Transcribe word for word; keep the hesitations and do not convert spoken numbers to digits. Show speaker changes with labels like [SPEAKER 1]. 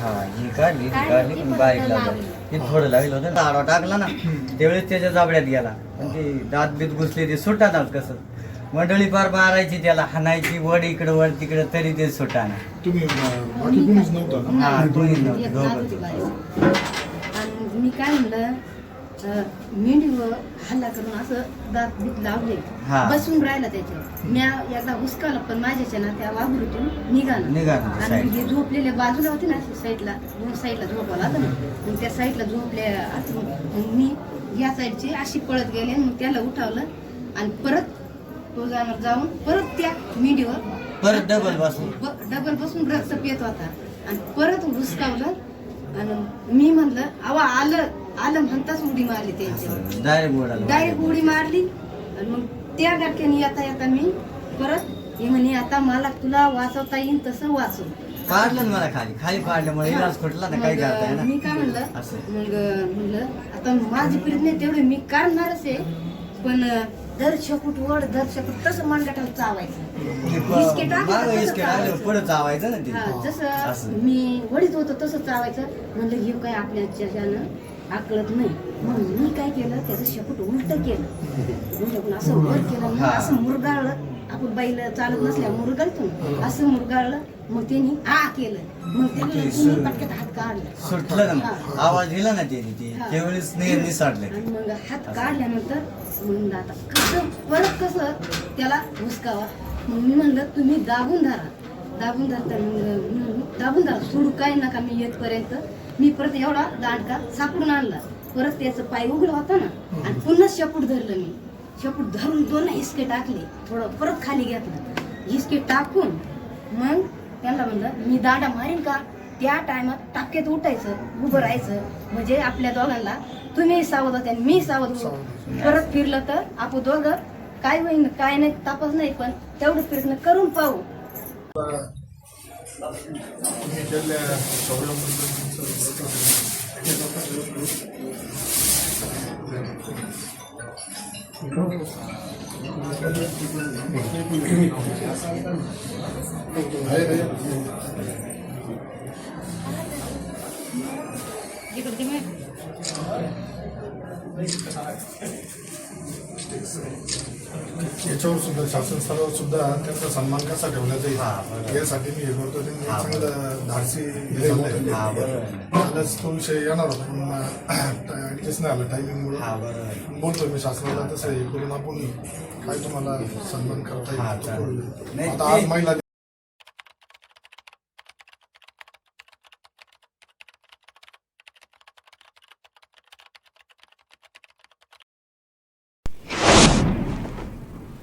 [SPEAKER 1] हा ही काढली ही काढली पण बारीक लागलं ते थोडं लागलं होतं ना आडवा टाकला ना त्यावेळेस त्याच्या जाबड्यात गेला पण ते दात बीत घुसले ते सुटानात कसं मंडळी पार मारायची त्याला हाणायची वड इकडं वड तिकडं तरी ते सुटाना.
[SPEAKER 2] तुम्ही बाकी कोणीच नव्हतं ना?
[SPEAKER 1] हा कोणी नव्हतं
[SPEAKER 3] एक
[SPEAKER 1] दोघं.
[SPEAKER 3] नात होती बाई. आणि मी काय म्हणलं अं, मेंढीवर हल्ला करून असं दात बीत लावले
[SPEAKER 1] हा.
[SPEAKER 3] बसून राहिला त्याच्यावर म्या एकदा हुसकावलं पण माझ्याच्या ना त्या वाघुरीतून निघालं
[SPEAKER 1] निघालं,
[SPEAKER 3] आणि
[SPEAKER 1] side.
[SPEAKER 3] हे झोपलेले बाजूला होते ना साईडला दोन साईडला झोपायला होतं ना मग त्या साईडला झोपले असं मग मी या साईडची अशी पळत गेले मग त्याला उठावलं आणि परत तो जाणार जाऊन परत त्या मेंढीवर
[SPEAKER 1] परत डबल बसून
[SPEAKER 3] ब- डबल बसून रक्त पित होता आणि परत हुसकावलं आणि मी म्हणलं अवा आलं आलं म्हणताच उडी मारली त्यांच्यावर
[SPEAKER 1] डायरेक्ट बोलायला
[SPEAKER 3] डायरेक्ट उडी मारली आणि मग त्या गाठ्याने येता येता मी परत हे म्हणे आता मला तुला वाचवता येईल तसं वाचव
[SPEAKER 1] पाडलं ना मला खाली खाली पाडल्यामुळे इलाज फुटला ना काही करता
[SPEAKER 3] मग
[SPEAKER 1] येईना.
[SPEAKER 3] मी काय म्हणलं
[SPEAKER 1] असं.
[SPEAKER 3] मग म्हणलं आता माझी पिढी नाही तेवढे मी काढणारच आहे पण दर शेपूट वड दर शेपूट तसं मनगटाला चावायचं
[SPEAKER 1] ते प-
[SPEAKER 3] इस्के टाकलं
[SPEAKER 1] मागं
[SPEAKER 3] तसं
[SPEAKER 1] इस्के
[SPEAKER 3] चावायचं.
[SPEAKER 1] टाकलं, पुढं चावायचं ना ते
[SPEAKER 3] हा,
[SPEAKER 1] असं.
[SPEAKER 3] जसं मी वडीत होतो तसं चावायचं म्हणलं हे काय आपल्याच्यानं आकळत नाही म्हणून मी काय केलं त्याचं शेपूट उलट केलं उलट असं वर केलं मग
[SPEAKER 1] हा.
[SPEAKER 3] असं मुरगाळलं आपण बैल चालत नसल्या मुरगाळतो असं मुरगाळलं मग त्यांनी आ केलं मग त्याला तिन्ही पटक्यात हात काढला
[SPEAKER 1] सुटलं ना
[SPEAKER 3] हा.
[SPEAKER 1] आवाज दिला ना त्याने ते
[SPEAKER 3] हा.
[SPEAKER 1] त्यावेळेस नि- निसाटलं
[SPEAKER 3] आणि मग हात काढल्यानंतर म्हणलं आता कसं परत कसं त्याला हुसकावा मग मी म्हणलं तुम्ही दाबून धरा दाबून धरता मग मी म्हणलं, दाबून धरा सोडू काय नका मी येतपर्यंत मी परत एवढा दांडका सापडून आणला परत त्याचं पाय उघडा होता ना आणि पुन्हा शेपूट धरलं मी शेपूट धरून दोन हिसके टाकले थोडं परत खाली घेतलं हिसके टाकून मग त्यांना म्हणलं मी दांडा मारीन का त्या टायमात टाक्यात उठायचं उभं राहायचं म्हणजे आपल्या दोघांना तुम्ही सावध होते आणि मी सावध होतो परत फिरलं तर आपण दोघं काय होईन काय नाही तापच नाही पण तेवढं प्रयत्न करून पाहू
[SPEAKER 2] तुम्ही केलेल्या शौर्याबद्दल आहे रे. याच्यावर सुद्धा शासन स्तरावर सुद्धा त्यांचा सन्मान कसा ठेवण्याचा येईल यासाठी मी हे करतो त्यांनी एक चांगलं धाडसी हे झालंय.
[SPEAKER 1] हा बरोबर
[SPEAKER 2] आलाच तो विषय येणार होता पण ऍडजस्ट नाही आलं टायमिंगमुळे
[SPEAKER 1] हा बरोबर
[SPEAKER 2] बोलतो मी शासनाला तसं हे करून आपण काय तुम्हाला सन्मान करता
[SPEAKER 1] हा,
[SPEAKER 2] येईल तो
[SPEAKER 1] चालेल.
[SPEAKER 2] करू.
[SPEAKER 1] नाही,
[SPEAKER 2] आता आज
[SPEAKER 1] ते-
[SPEAKER 2] महिला